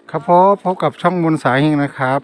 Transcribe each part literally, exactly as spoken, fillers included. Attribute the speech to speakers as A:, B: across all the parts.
A: ครับพ่อพบกับช่องมนต์สายเฮงนะครับ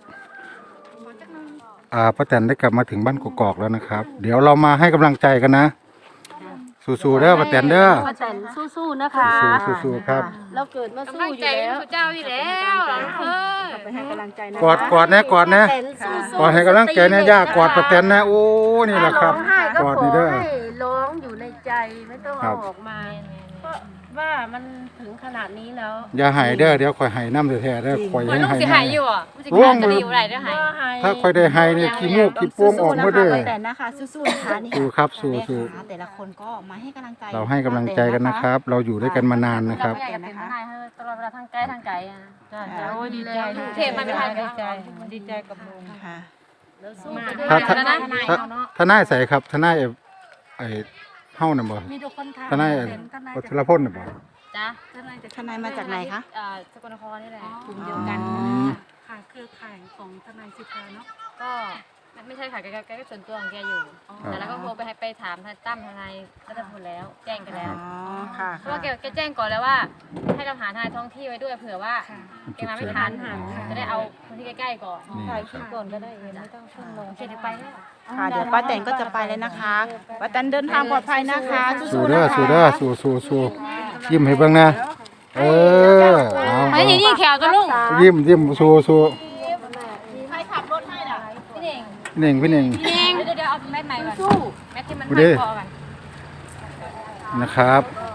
A: อ่าป้าแตนได้กลับมาถึงบ้านกกอกแล้วนะครับ เดี๋ยวเรามาให้กำลังใจกันนะสู้ๆเด้อป้าแตนเด้อ
B: ป้าแตนสู้ๆนะคะ
A: สู้ๆครับ
B: เราเกิดมาสู้อยู่
C: ใจ
B: แล้ว
C: พระเจ้าอยู่แล้วเออ
B: ไปให้กำลังใจนะ
A: กอดกอดนะกอดนะกอดให้กำลังใจนะย่ากอดป้าแตนนะโอ้นี่แหละครับ
B: ร้องไห้ก็
A: กอด
B: ขอ
A: นี่เด้อ
B: ให้ร้องอยู่ในใจไม่ต้อง
A: ครั
B: เอา
A: บ
B: ออกมาเพราะว่ามันถึงขนาดนี้แล้ว
A: อย่าหายเด้อเดี๋ยวคอยหายน้ำแท้ๆเด้อคอย
C: มัน
A: ให้
C: ลูก
A: หาย
C: สิหายอยู่อ่ะมันสิหายจะดีอยู่ไรได้หาย
A: ถ้าคอยได้หายนี่ขี้มูกขี้โป้งออกหมดเด้อ
D: ป้าแตนนะคะสู้ๆนะคะนี่
A: สู้ครับสู้
D: แม่
A: สู้
D: ค้าแต่ละคนก็มาให้กำลังใจ
A: เราให้กำลังใจกันนะครับ เราอยู่ด้วยกันมานานนะครับ
C: อยากเป็นทนายตลอดเวลาทางไกลทางไกลอ่ะ
B: โอ้ยดีใจ
C: เทพมันไม่ทัน
B: ดีใจดีใจกับลุง
D: ค่ะ
B: แล้วสู้ไปด้วย
A: ถ้า
B: กั
A: ถ้าน
B: นะ
A: ถ้าทนายใส่ครับทนายไอ้เฮาน่ะบ่
B: มีทุกคนทำ
A: ทนาย
B: เป็นทนาย
A: วัชรพลน่ะบ่
C: จ้ะ
B: ทนายจาก
D: ทนายมาจากไหนคะ
C: อ่าสกลนครนี่แหละ
B: กลุ่มเดียวกัน
A: อืม
B: ค่ะเครือข่ายของทนายสิทธาเนาะ
C: ก็ไม่ใช่ค่ะแกแกก็ส่วนตัวของแกอยู่แต่แล้วก็โทรไปให้ไปถามทนายตั้มทนายรัตพลแล้วแจ้งกันแล้ว
D: อ๋อ ค่ะ
C: เพราะว่าแกแกแจ้งก่อนแล้วว่า ให้เราหาทนายท้องที่ไว้ด้วยเผื่อว่าแกมาไม่ทันจะได้เอาคนที่ใกล้ๆก่อน
A: นี่
B: ถ่ายคลิปก่อนก็ได้เองไม่ต้องขึ้นลง
C: โอเคเดี๋ยวไปแล้ว
D: ค่ะ เดี๋ยวป้าแตนก็จะไปเลยนะคะป้าแตนเดินทางปลอดภัยนะคะ
A: สู้
D: สู้ๆ
A: เด้อ
D: นะคะ
A: สู้เด้อสู้สู้สู้ยิ้มให้เบิ่งนะเออเอา
C: ไอ้นี่นี่แขวตัวลุง
A: ยิ้มยิ้มสู้สู้
D: ใครขับรถให้น่ะ
C: พี่เน่ง
A: พี่เน่งพี่เน่ง
C: พี่เน่งเดี๋ยวเดี๋ยวเอาแมทใหม่ก่อนแมทที่มัน
A: ดู
C: พั
A: ดิ
C: นคอก่อน
A: นะครับ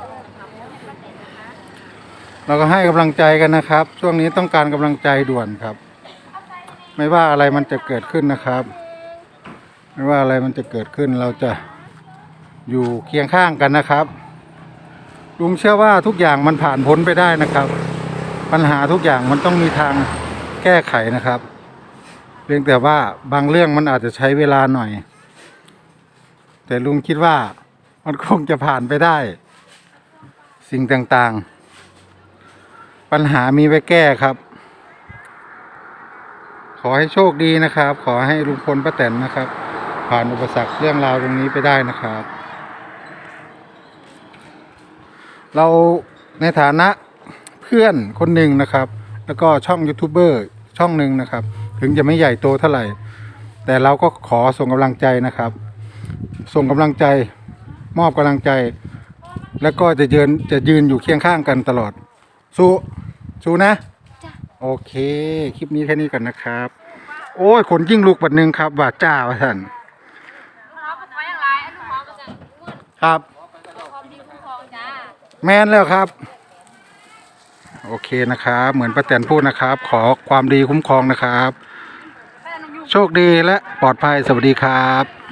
A: เราก็ให้กำลังใจกันนะครับ ช่วงนี้ต้องการกำลังใจด่วนครับ ไม่ว่าอะไรมันจะเกิดขึ้นนะครับ ไม่ว่าอะไรมันจะเกิดขึ้นเราจะอยู่เคียงข้างกันนะครับลุงเชื่อว่าทุกอย่างมันผ่านพ้นไปได้นะครับ ปัญหาทุกอย่างมันต้องมีทางแก้ไขนะครับเพียงแต่ว่าบางเรื่องมันอาจจะใช้เวลาหน่อย แต่ลุงคิดว่ามันคงจะผ่านไปได้ สิ่งต่างๆ ปัญหามีไว้แก้ครับ ขอให้โชคดีนะครับ ขอให้ลุงพลป้าแตนนะครับ ผ่านอุปสรรคเรื่องราวตรงนี้ไปได้นะครับ เราในฐานะเพื่อนคนหนึ่งนะครับ แล้วก็ช่องยูทูบเบอร์ช่องหนึ่งนะครับ ถึงจะไม่ใหญ่โตเท่าไหร่ แต่เราก็ขอส่งกำลังใจนะครับ ส่งกำลังใจมอบกำลังใจ แล้วก็จะยืนจะยืนอยู่เคียงข้างกันตลอด สู้สู้นะโอเค คลิปนี้แค่นี้ก่อนนะครับ โอ้ยขนยิ่งลุกบัดหนึ่งครับว่าจ้าว่าท่าน
C: เขาเป็นไว้อย่างไรไอ้ลูกเขาก็จะมืด
A: ครับ
C: ความดีคุ้มครองจ้า
A: แมนแล้วครับ โอเคนะครับ เหมือนป้าแตนพูดนะครับ ขอความดีคุ้มครองนะครับ โชคดีและปลอดภัยสวัสดีครับ